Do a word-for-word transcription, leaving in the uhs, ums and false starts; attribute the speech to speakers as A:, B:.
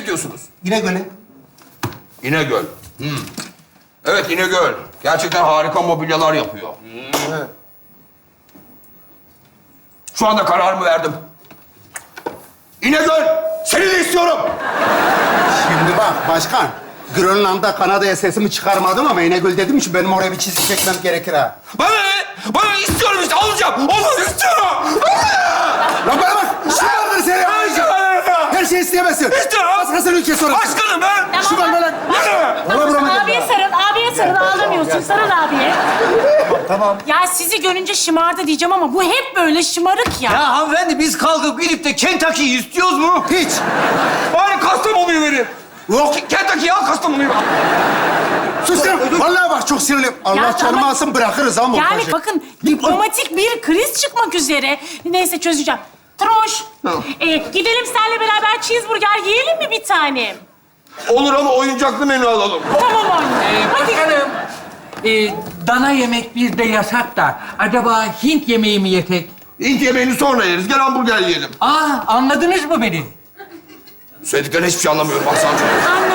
A: gidiyorsunuz?
B: İnegöl'e.
A: İnegöl. Hmm. Evet, İnegöl. Gerçekten harika mobilyalar yapıyor.
B: Evet.
A: Şu anda kararımı verdim. İnegöl, seni de istiyorum.
B: Şimdi bak başkan. Grönland'da Kanada'ya sesimi çıkarmadım ama İnegöl dedim ki benim oraya bir çizgi çekmem gerekir ha.
A: Bana ne? Bana istiyorum işte, alacağım. Olmaz, istiyorum.
B: Lan bana bak! Şu vardır seni alacağım. Her şeyi isteyemezsin.
A: İstiyorum.
B: Başkasının ülkesi orası.
A: Başkanım ben.
B: Şu var lan. Valla buramı
C: Abiye sarıl, abiye sarıl. Ağlamıyorsun. Sarıl abiye.
B: Tamam.
C: Ya sizi görünce şımardı diyeceğim ama bu hep böyle şımarık ya.
D: Ya hanımefendi biz kalkıp gidip de Kentucky'yi istiyoruz mu?
B: Hiç.
A: Bari Kastamonu'yu verin.
B: Yok.
A: Kentucky'yi al, Kastamonu'yu al.
B: Sus sen. Vallahi bak çok sinirliyim. Allah
C: Ya
B: canımı
C: ama-
B: alsın bırakırız ha
C: Yani
B: montajı.
C: bakın diplomatik bir kriz çıkmak üzere. Neyse çözeceğim. Troş, e, gidelim seninle beraber cheeseburger yiyelim mi bir tanem?
A: Olur ama oyuncaklı menü alalım.
C: Tamam anne.
E: Ee,
C: Hadi.
E: başkanım, e, dana yemek bizde yasak da acaba Hint yemeği mi yesek?
A: Hint yemeğini sonra yeriz. Gel hamburger yiyelim.
E: Aa, anladınız mı beni?
A: Söylediklerine hiçbir şey anlamıyorum. Bak sana çok.